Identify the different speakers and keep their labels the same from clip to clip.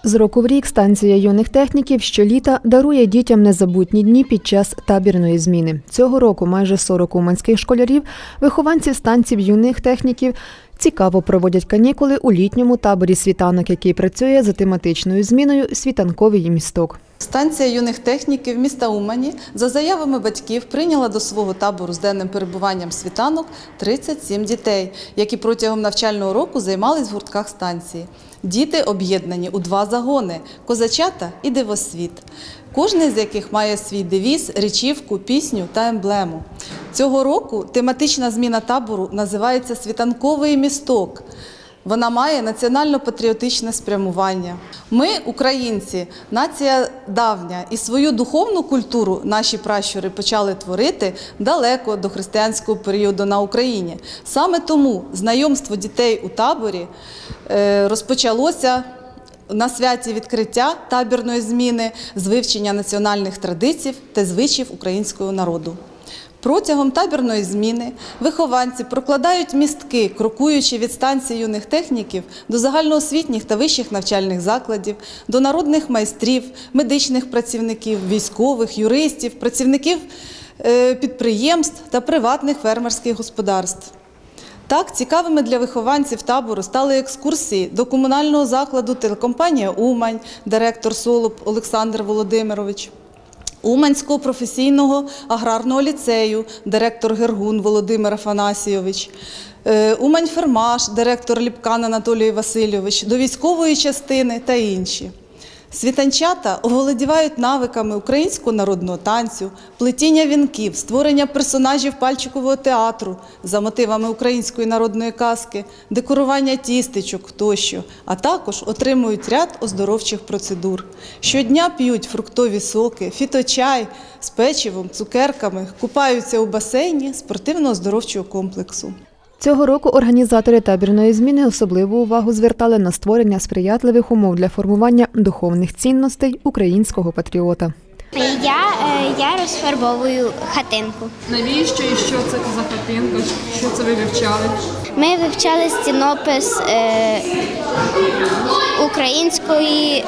Speaker 1: З року в рік станція юних техніків щоліта дарує дітям незабутні дні під час табірної зміни. Цього року майже 40 уманських школярів, вихованців станцій юних техніків, цікаво проводять канікули у літньому таборі «Світанок», який працює за тематичною зміною «Світанковий місток».
Speaker 2: Станція юних техніків міста Умані за заявами батьків прийняла до свого табору з денним перебуванням «Світанок» 37 дітей, які протягом навчального року займались в гуртках станції. Діти об'єднані у 2 загони – «Козачата» і «Дивосвіт», кожний з яких має свій девіз, речівку, пісню та емблему. Цього року тематична зміна табору називається «Світанковий місток». Вона має національно-патріотичне спрямування. Ми, українці, нація давня, і свою духовну культуру наші пращури почали творити далеко до християнського періоду на Україні. Саме тому знайомство дітей у таборі розпочалося на святі відкриття табірної зміни з вивчення національних традицій та звичаїв українського народу. Протягом табірної зміни вихованці прокладають містки, крокуючи від станції юних техніків до загальноосвітніх та вищих навчальних закладів, до народних майстрів, медичних працівників, військових, юристів, працівників підприємств та приватних фермерських господарств. Так, цікавими для вихованців табору стали екскурсії до комунального закладу «Телекомпанія Умань», директор Солуб Олександр Володимирович, Уманського професійного аграрного ліцею, директор Гергун Володимир Афанасійович, Умань-Фермаш, директор Ліпкан Анатолій Васильович, до військової частини та інші. Світанчата оволодівають навиками українського народного танцю, плетіння вінків, створення персонажів пальчикового театру за мотивами української народної казки, декорування тістечок тощо, а також отримують ряд оздоровчих процедур. Щодня п'ють фруктові соки, фіточай з печивом, цукерками, купаються у басейні спортивно-оздоровчого комплексу.
Speaker 1: Цього року організатори табірної зміни особливу увагу звертали на створення сприятливих умов для формування духовних цінностей українського патріота.
Speaker 3: Я розфарбовую хатинку.
Speaker 4: Навіщо і що це за хатинка? Що це ви вивчали?
Speaker 3: Ми вивчали стінопис української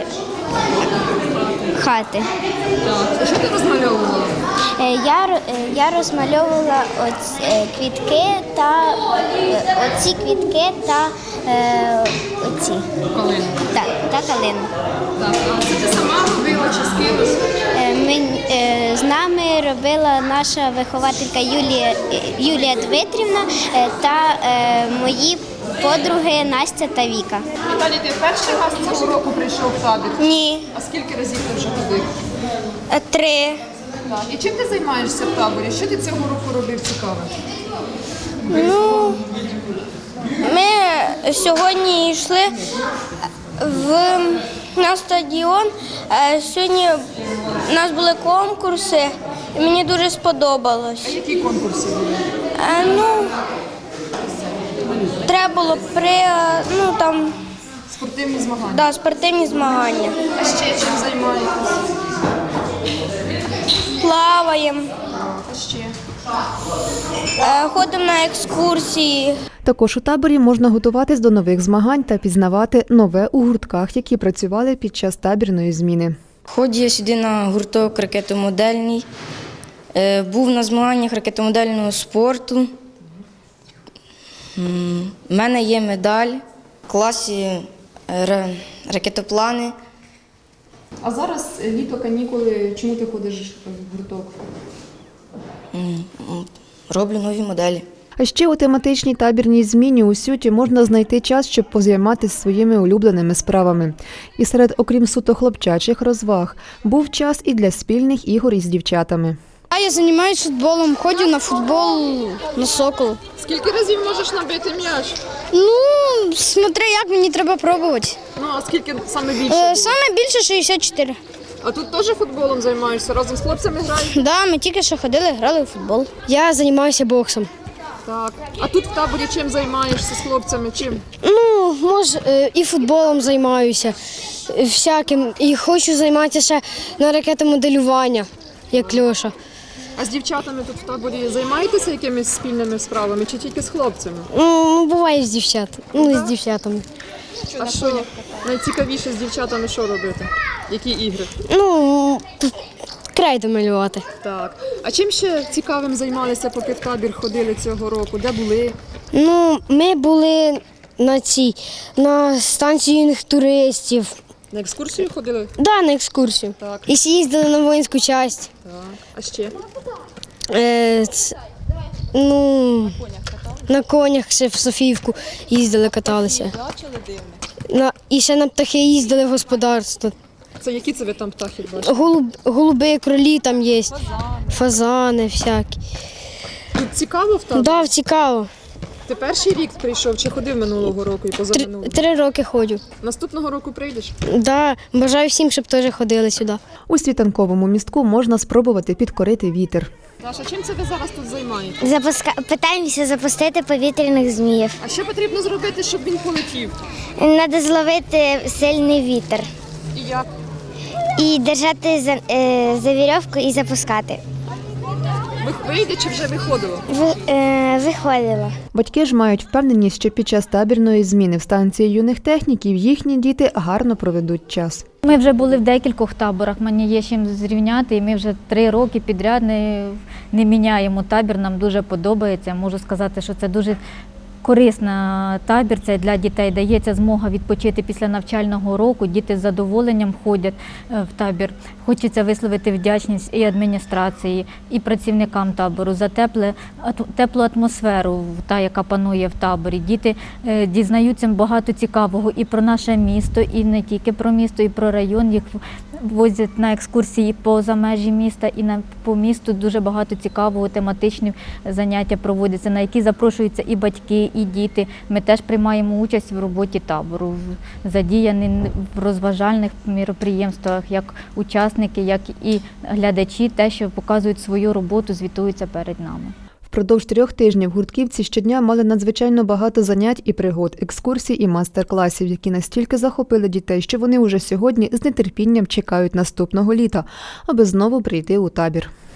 Speaker 3: хати.
Speaker 4: Так. Що ти розмальовувала?
Speaker 3: Я розмальовувала квітки та оці квітки та оці.
Speaker 4: Калину.
Speaker 3: Так, та калину.
Speaker 4: Так. А це ти сама робила чи з кимось?
Speaker 3: З нами робила наша вихователька Юлія Дмитрівна та мої подруги Настя та Віка.
Speaker 4: Віталій, ти перший раз цього року прийшов в табір?
Speaker 3: Ні.
Speaker 4: А скільки разів ти вже ходив?
Speaker 3: 3.
Speaker 4: Так. І чим ти займаєшся в таборі? Що ти цього року робив цікаве?
Speaker 3: Ну, ми сьогодні йшли на стадіон. Сьогодні у нас були конкурси, і мені дуже сподобалось.
Speaker 4: А які конкурси були?
Speaker 3: Треба було
Speaker 4: Спортивні змагання?
Speaker 3: Да, спортивні змагання.
Speaker 4: А ще чим займаєтесь?
Speaker 3: Плаваємо,
Speaker 4: А ще?
Speaker 3: ходимо на екскурсії.
Speaker 1: Також у таборі можна готуватись до нових змагань та пізнавати нове у гуртках, які працювали під час табірної зміни.
Speaker 5: Ходжу я сюди на гурток ракетомодельний. Був на змаганнях ракетомодельного спорту. У мене є медаль в класі ракетоплани.
Speaker 4: А зараз літо, канікули. Чому ти ходиш в гурток?
Speaker 5: Роблю нові моделі.
Speaker 1: А ще у тематичній табірній зміні у Сюті можна знайти час, щоб позайматися своїми улюбленими справами. І окрім суто хлопчачих розваг, був час і для спільних ігор із дівчатами.
Speaker 6: Я займаюся футболом, ходжу на футбол, на «Сокол».
Speaker 4: Скільки разів можеш набити м'яч?
Speaker 6: Ну, смотри, як мені треба пробувати.
Speaker 4: Ну, а скільки саме більше?
Speaker 6: Саме більше 64.
Speaker 4: А тут теж футболом займаєшся? Разом з хлопцями граєш?
Speaker 6: Да, ми тільки що ходили, грали у футбол. Я займаюся боксом.
Speaker 4: Так. А тут в таборі чим займаєшся з хлопцями? Чим?
Speaker 6: Ну, може, і футболом займаюся, всяким. І хочу займатися ще на ракетомоделювання, як Льоша.
Speaker 4: А з дівчатами тут в таборі займаєтеся якимись спільними справами чи тільки з хлопцями?
Speaker 6: Ну, буває з дівчатами.
Speaker 4: А що? Найцікавіше з дівчатами що робити? Які ігри?
Speaker 6: Ну, крейду малювати.
Speaker 4: Так. А чим ще цікавим займалися, поки в табір ходили цього року? Де були?
Speaker 6: Ну, ми були на станції юних туристів.
Speaker 4: На екскурсію ходили?
Speaker 6: Да, на екскурсію.
Speaker 4: Так.
Speaker 6: І їздили на воїнську часть.
Speaker 4: Так. А ще?
Speaker 6: Ну, на конях ще в Софіївку їздили, каталися.
Speaker 2: Бачили дивне?
Speaker 6: І ще на птахи їздили в господарство.
Speaker 4: Це які це ви там птахи бачите?
Speaker 6: Голуби, кролі там є, фазани всякі.
Speaker 4: Тут цікаво в таборі?
Speaker 6: Да, цікаво.
Speaker 4: Ти перший рік прийшов чи ходив минулого року і позаминулого?
Speaker 6: 3 роки ходжу.
Speaker 4: Наступного року прийдеш?
Speaker 6: Да, бажаю всім, щоб теж ходили сюди.
Speaker 1: У світанковому містку можна спробувати підкорити вітер.
Speaker 4: Даша, чим це ви зараз тут займаєтесь?
Speaker 7: Питаємося запустити повітряних зміїв.
Speaker 4: А що потрібно зробити, щоб він полетів?
Speaker 7: Треба зловити сильний вітер
Speaker 4: І як?
Speaker 7: і держати за вірьовку і запускати.
Speaker 4: Вийде чи вже виходило?
Speaker 7: Виходило.
Speaker 1: Батьки ж мають впевненість, що під час табірної зміни в станції юних техніків їхні діти гарно проведуть час.
Speaker 8: Ми вже були в декількох таборах, мені є чим зрівняти, і ми вже 3 роки підряд не міняємо табір, нам дуже подобається. Можу сказати, що це дуже корисна табір, це для дітей, дається змога відпочити після навчального року, діти з задоволенням ходять в табір. Хочеться висловити вдячність і адміністрації, і працівникам табору за теплу атмосферу, та, яка панує в таборі. Діти дізнаються багато цікавого і про наше місто, і не тільки про місто, і про район. Їх возять на екскурсії поза межі міста, і по місту дуже багато цікавого, тематичні заняття проводяться, на які запрошуються і батьки, і діти. Ми теж приймаємо участь в роботі табору, задіяні в розважальних міроприємствах, як учасники, як і глядачі, те, що показують свою роботу, звітуються перед нами.
Speaker 1: Впродовж 3 тижнів гуртківці щодня мали надзвичайно багато занять і пригод, екскурсій і майстер-класів, які настільки захопили дітей, що вони уже сьогодні з нетерпінням чекають наступного літа, аби знову прийти у табір.